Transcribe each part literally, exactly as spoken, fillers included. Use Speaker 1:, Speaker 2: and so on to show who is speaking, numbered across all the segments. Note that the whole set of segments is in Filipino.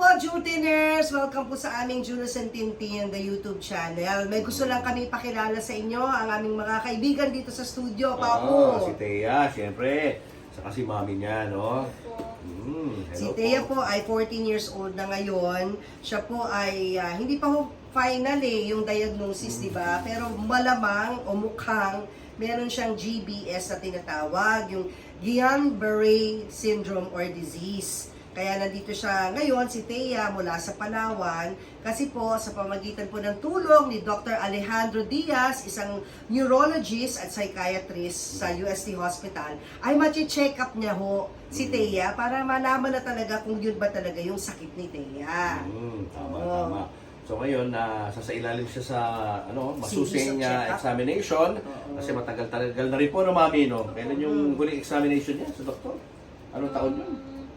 Speaker 1: po, Jutiners! Welcome po sa aming Julius and Tintin, the YouTube channel. May gusto lang kami pakilala sa inyo, ang aming mga kaibigan dito sa studio, Papo.
Speaker 2: Ah, si Thea, siyempre. Saka si mami niya, no? Mm,
Speaker 1: Si
Speaker 2: hello
Speaker 1: Thea
Speaker 2: po.
Speaker 1: po ay fourteen years old na ngayon. Siya po ay, ah, hindi pa ho final eh, yung diagnosis, di ba? Pero malamang o mukhang meron siyang G B S na tinatawag, yung Guillain-Barré syndrome or disease. Kaya nandito siya ngayon, si Thea, mula sa Palawan, kasi po sa pamagitan po ng tulong ni Doctor Alejandro Diaz, isang neurologist at psychiatrist sa U S T Hospital, ay machi-check up niya ho si Thea para malaman na talaga kung yun ba talaga yung sakit ni Thea.
Speaker 2: Mm, tama,
Speaker 1: Oo.
Speaker 2: tama. So ngayon, na uh, sasailalim siya sa ano,
Speaker 1: Series of
Speaker 2: masusing uh,
Speaker 1: check-up.
Speaker 2: examination.
Speaker 1: Oo.
Speaker 2: Kasi matagal-tagal na rin po, no, mami, no? Kailan yung huling examination niya sa doktor? Anong taon yun?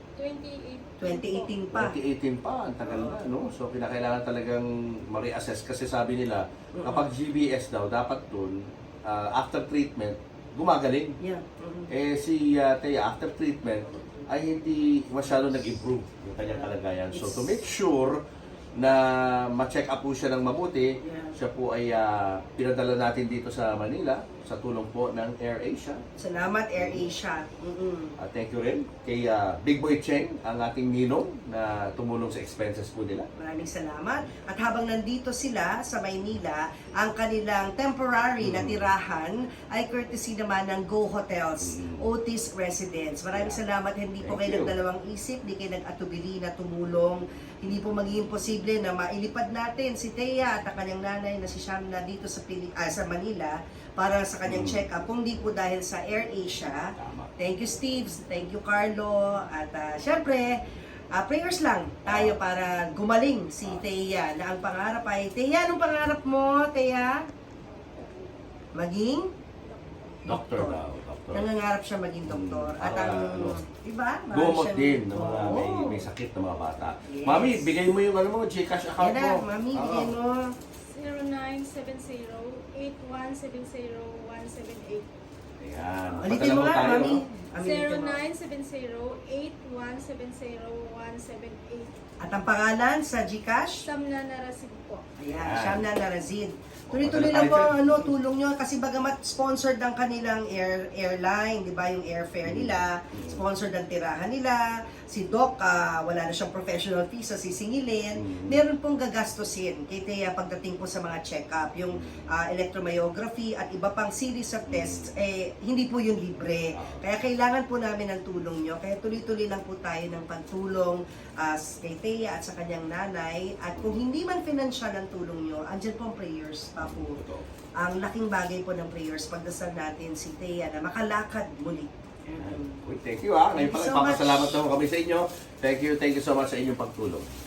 Speaker 1: twenty eighteen pa.
Speaker 2: twenty eighteen pa, ang tagal na, no? So, kinakailangan talagang ma-reassess kasi sabi nila, kapag G B S daw, dapat dun, uh, after treatment, gumagaling.
Speaker 1: Yeah. Mhm.
Speaker 2: Eh, si uh, Thea, after treatment, ay hindi masyado nag-improve yung kanyang kalagayan. So, to make sure na ma-check up po siya ng mabuti,
Speaker 1: Yeah.
Speaker 2: siya po ay uh, pinadala natin dito sa Manila sa tulong po ng AirAsia.
Speaker 1: Salamat, AirAsia. Mm-mm.
Speaker 2: At thank you rin kay uh, Big Boy Cheng, ang ating ninong na tumulong sa expenses po nila.
Speaker 1: Maraming salamat. At habang nandito sila sa Maynila, ang kanilang temporary na tirahan ay courtesy naman ng Go Hotels,
Speaker 2: Mm.
Speaker 1: Otis Residence. Maraming
Speaker 2: Yeah.
Speaker 1: salamat. Hindi po
Speaker 2: Thank
Speaker 1: kayo
Speaker 2: you.
Speaker 1: nagdalawang isip, hindi kayo nag-atubili na tumulong. Hindi po magiging posible na mailipad natin si Thea at ang kanyang nanay na si Shamna dito sa, Pili ah, sa Manila para sa kanyang
Speaker 2: Mm.
Speaker 1: check-up. Kung di po dahil sa AirAsia.
Speaker 2: Tama.
Speaker 1: Thank you, Steve. Thank you, Carlo. At uh, syempre, uh, prayers lang tayo para gumaling si Thea na ang pangarap ay, Thea, anong pangarap mo, Thea? Maging?
Speaker 2: Doctor daw, doctor.
Speaker 1: Nangangarap siya maging doktor.
Speaker 2: Mm,
Speaker 1: At ang,
Speaker 2: para, ano,
Speaker 1: diba? Marami
Speaker 2: Gumot
Speaker 1: siyang-
Speaker 2: din ng mga may,
Speaker 1: Oo.
Speaker 2: may sakit na mga bata.
Speaker 1: Yes.
Speaker 2: Mami, bigay mo yung ano mo, Gcash account
Speaker 1: Yan
Speaker 2: mo.
Speaker 1: na, mami,
Speaker 2: Oo.
Speaker 1: bigyan mo.
Speaker 3: zero nine seven zero eight one seven zero one seven eight.
Speaker 2: Ayan.
Speaker 1: Ulitin mo
Speaker 2: Padala
Speaker 1: nga,
Speaker 2: tayo,
Speaker 1: mami.
Speaker 2: no?
Speaker 1: Amin,
Speaker 3: zero
Speaker 1: ulitin mo.
Speaker 3: nine seven zero eight one seven zero one seven eight.
Speaker 1: At ang pangalan sa Gcash?
Speaker 3: Samna Narasig po.
Speaker 1: Ayan,
Speaker 2: Ayan.
Speaker 1: Shamna Narazid.
Speaker 2: O,
Speaker 1: Tuloy-tuloy
Speaker 2: padala
Speaker 1: lang po
Speaker 2: tayo
Speaker 1: ang
Speaker 2: dyan.
Speaker 1: ano, tulong nyo kasi bagamat sponsored ang kanilang air, airline, di ba, yung airfare nila, sponsored ang tirahan nila, si Doc, ah, wala na siyang professional fees sa sisingilin,
Speaker 2: Mm.
Speaker 1: meron pong gagastusin kay Thea pagdating po sa mga check-up, yung ah, electromyography at iba pang series of tests, eh, hindi po yun libre. Kaya kailangan po namin ng tulong nyo, kaya tuloy-tuloy lang po tayo ng pagtulong ah, kay Thea at sa kanyang nanay, at kung hindi man financial ang tulong nyo, andyan po ang prayers, Papo.
Speaker 2: Totoo.
Speaker 1: Ang laking bagay po ng prayers, pagdasal natin si Thea na makalakad muli.
Speaker 2: Ayan. Uy, thank you, ha.
Speaker 1: Thank
Speaker 2: Ngayon
Speaker 1: you
Speaker 2: pala,
Speaker 1: so much.
Speaker 2: ipapasalamat naman kami sa inyo. Thank you, thank you so much sa inyong pagtulong.